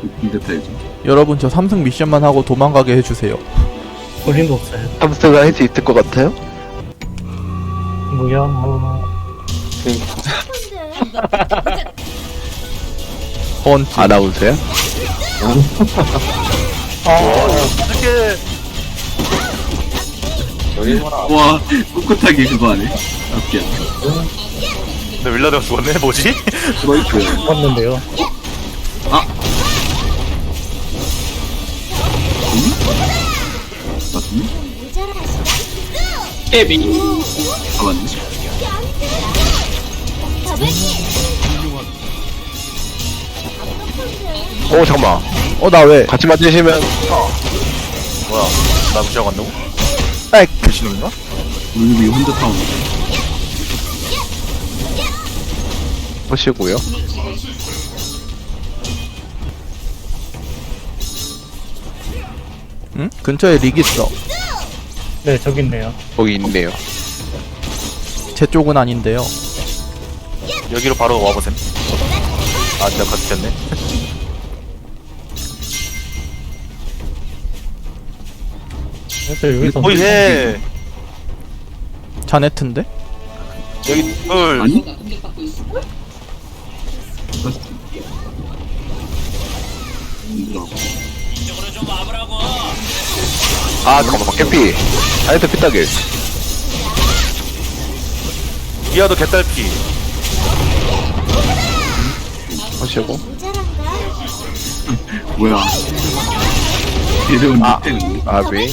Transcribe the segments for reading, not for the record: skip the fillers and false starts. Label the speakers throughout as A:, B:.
A: 빈대타 요즘.
B: 여러분 저 3승 미션만 하고 도망가게 해주세요.
C: 볼링도 없어요.
D: 함스가 할 수 있을 것 같아요?
C: 뭐야 뭐.
B: 펀치.
D: 아나운서야?
A: 와, 꿋꿋하게 그거 하네. 앞이야.
E: 근데 윌라드가 죽었네? 뭐지?
A: 스트라이크.
C: 봤는데요.
A: 맞니? 깨비. 아, 맞네.
D: 오 잠깐만
B: 나 왜?
D: 같이 맞으시면
E: 뭐야, 나 무시하고 간다고?
B: 백.
E: 미친놈인가?
A: 우리 혼자 타오네.
D: 보시고요.
B: 응? 근처에 릭 있어.
C: 네 저기 있네요.
D: 거기 있네요.
B: 제 쪽은 아닌데요.
E: 여기로 바로 와보셈. 아, 내가 가득했네.
C: 그래서 여기서
E: 거의 해.
B: 자네트인데?
E: 여기 둘.
A: 아니?
D: 아 잠깐만 깨피 아이트 피따길
E: 미아도 개딸피.
D: 하시고
A: 뭐야. 이름은 밑에
D: 아비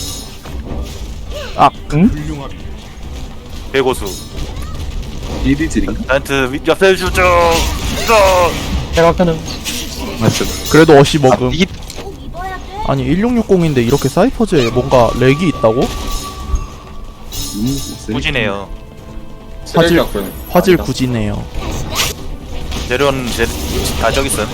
E: 대고수.
A: 이리즈링.
E: 나한테 옆에 쭉.
C: 제가 끄는
D: 맞습니다.
B: 그래도 어시 먹음.
D: 이게
B: 아니 1660인데 이렇게 사이퍼즈에 뭔가 렉이 있다고?
E: 무지네요.
B: 화질 굳이네요.
E: 재료는 다 저기 있음.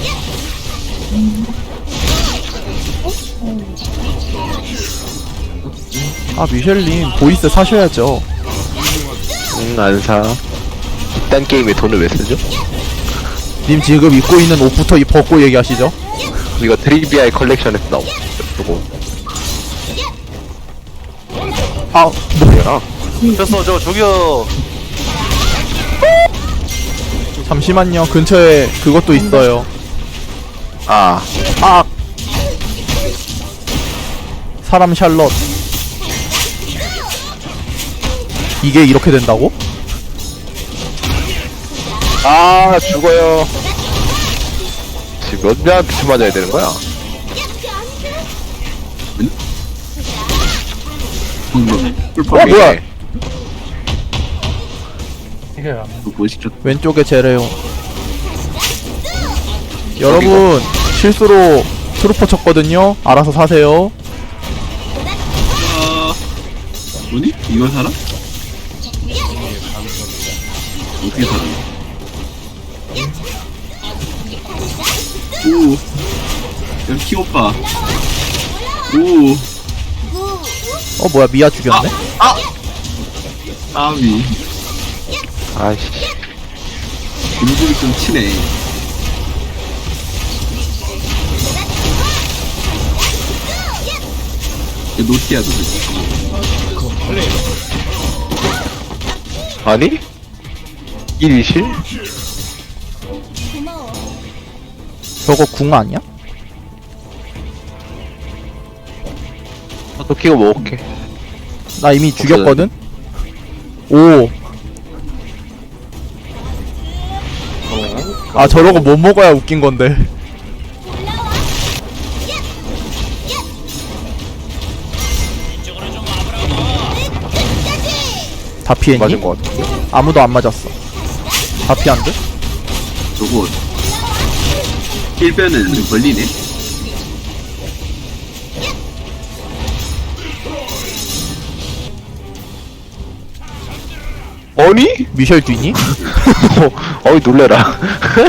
B: 아 미셸님 보이스 사셔야죠.
D: 안사 이딴 게임에 돈을 왜 쓰죠?
B: 님 지금 입고 있는 옷부터 벗고 얘기하시죠.
D: 이거 트리비아의 컬렉션에서 나온 그거
B: 아
D: 뭐야?
E: 됐어, 저기요.
B: 잠시만요. 근처에 그것도 있어요.
D: 아
B: 사람 샬럿. 이게 이렇게 된다고?
D: 죽어요. 지금 몇 명한테 맞아야 되는 거야?
B: 뭐야?
C: 이게요.
A: 뭐 시켰?
B: 왼쪽에 제레용. 여러분 실수로 트루퍼 쳤거든요. 알아서 사세요.
A: 뭐니? 이걸 사라? 어떻게 사라? 오. 여기 키오빠. 오.
B: 뭐야 미아 죽였네?
A: 아미.
D: 아이씨
A: 음식이 좀 치네. 노티아도
D: 아니? 1위실?
B: 저거 궁 아니야?
D: 또 키고 먹을게.
B: 나 이미 죽였거든? 오. 아 저러고 못 먹어야 웃긴 건데. 다 피했니?
D: 맞은 것 같아.
B: 아무도 안 맞았어. 다 피한데?
A: 저거 1변은 좀 걸리네.
D: 아니?
B: 미셸 뒤니?
D: 어이 놀래라.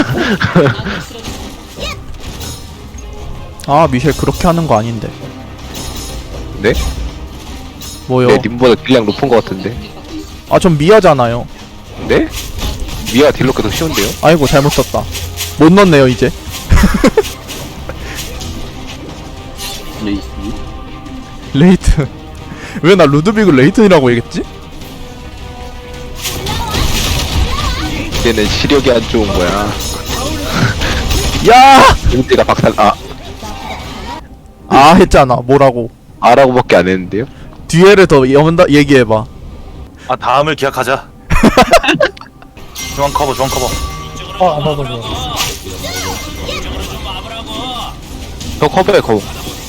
B: 아 미셸 그렇게 하는 거 아닌데.
D: 네?
B: 뭐요?
D: 내 님보다 딜량 높은 것 같은데.
B: 아 전 미아잖아요.
D: 네? 미아 딜로크 더 쉬운데요?
B: 아이고 잘못 썼다. 못 넣네요 이제.
A: 레이스.
B: 레이튼. 왜 나 루드빅을 레이튼이라고 얘기했지?
D: 얘는 시력이 안 좋은 거야.
B: 야!
D: 은지가 박살,
B: 아 했잖아. 뭐라고?
D: 아라고밖에 안 했는데요?
B: 뒤에를 더 얘기해봐.
E: 아 다음을 기약하자. 중앙 커버 중앙 커버.
C: 나도 좋아.
D: 저 커버에 거.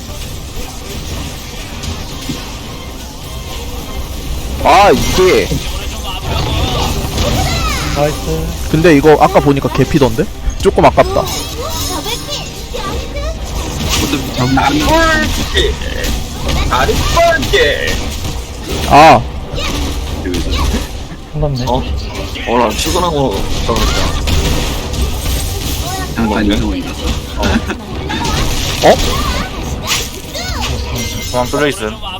D: 이게
C: 나이스.
B: 근데 이거 아까 보니까 개피던데? 조금 아깝다.
A: 어차피 잡으면 끝나.
B: 아
C: 끝났네.
A: 나 출근하고 떨어졌다. 잠깐 이상이다.
E: 중앙 뚫려 있음.